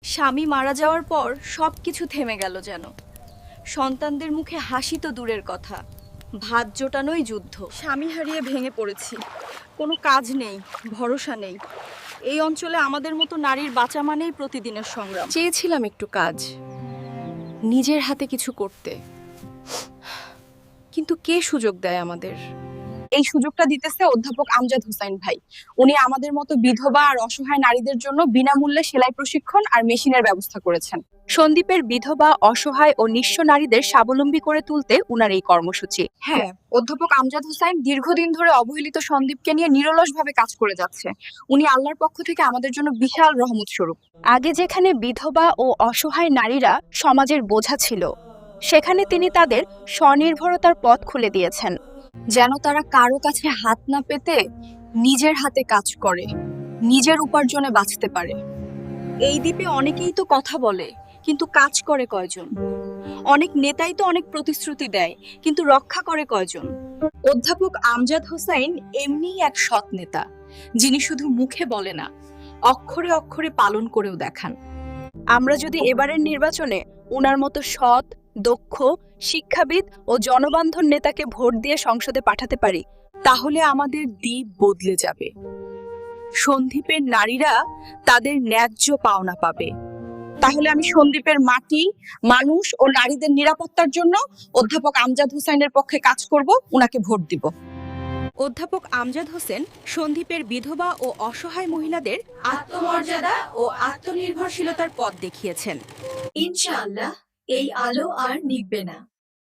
স্বামী মারা যাওয়ার পর সবকিছু থেমে গেল যেন। সন্তানদের মুখে হাসি তো দূরের কথা, ভাত জোটানোই যুদ্ধ। স্বামী হারিয়ে ভেঙে পড়েছি, কোনো কাজ নেই, ভরসা নেই। এই অঞ্চলে আমাদের মতো নারীর বাঁচা মানেই প্রতিদিনের সংগ্রাম। চেয়েছিলাম একটু কাজ, নিজের হাতে কিছু করতে, কিন্তু কে সুযোগ দেয় আমাদের? এই সুযোগটা দিতেছে অধ্যাপক আমজাদ হোসাইন ভাই। উনি আমাদের মতো বিধবা আর অসহায় নারীদের জন্য বিনামূল্যে সেলাই প্রশিক্ষণ আর মেশিনের ব্যবস্থা করেছেন। সন্দীপের বিধবা, অসহায় ও নিঃস্ব নারীদের স্বাবলম্বী করে তুলতে উনার এই কর্মসূচি। হ্যাঁ, অধ্যাপক আমজাদ হোসাইন দীর্ঘদিন ধরে অবহেলিত সন্দীপকে নিয়ে নিরলসভাবে কাজ করে যাচ্ছে। উনি আল্লাহর পক্ষ থেকে আমাদের জন্য বিশাল রহমত স্বরূপ। আগে যেখানে বিধবা ও অসহায় নারীরা সমাজের বোঝা ছিল, সেখানে তিনি তাদের স্বনির্ভরতার পথ খুলে দিয়েছেন। যেন তারা কারো কাছে হাত না পেতে নিজের হাতে কাজ করে, নিজের উপার্জনে বাঁচতে পারে। এই দ্বীপে অনেকেই তো কথা বলে, কিন্তু কাজ করে কয়জন? অনেক নেতাই তো অনেক প্রতিশ্রুতি দেয়, কিন্তু রক্ষা করে কয়জন? অধ্যাপক আমজাদ হোসাইন এমনিই এক সৎ নেতা, যিনি শুধু মুখে বলে না, অক্ষরে অক্ষরে পালন করেও দেখান। আমরা যদি এবারের নির্বাচনে উনার মতো সৎ, দক্ষ, শিক্ষাবিদ ও জনবান্ধব নেতাকে ভোট দিয়ে সংসদে পাঠাতে পারি, তাহলে আমাদের দ্বীপ বদলে যাবে। সন্দ্বীপের নারীরা তাদের ন্যায্য পাওনা পাবে। তাহলে আমি সন্দ্বীপের মাটি, মানুষ ও নারীদের নিরাপত্তার জন্য অধ্যাপক আমজাদ হোসেনের পক্ষে কাজ করব, উনাকে ভোট দিব। অধ্যাপক আমজাদ হোসেন সন্দ্বীপের বিধবা ও অসহায় মহিলাদের আত্মমর্যাদা ও আত্মনির্ভরশীলতার পথ দেখিয়েছেন। ইনশাআল্লাহ এই আলো আর নিভবে না।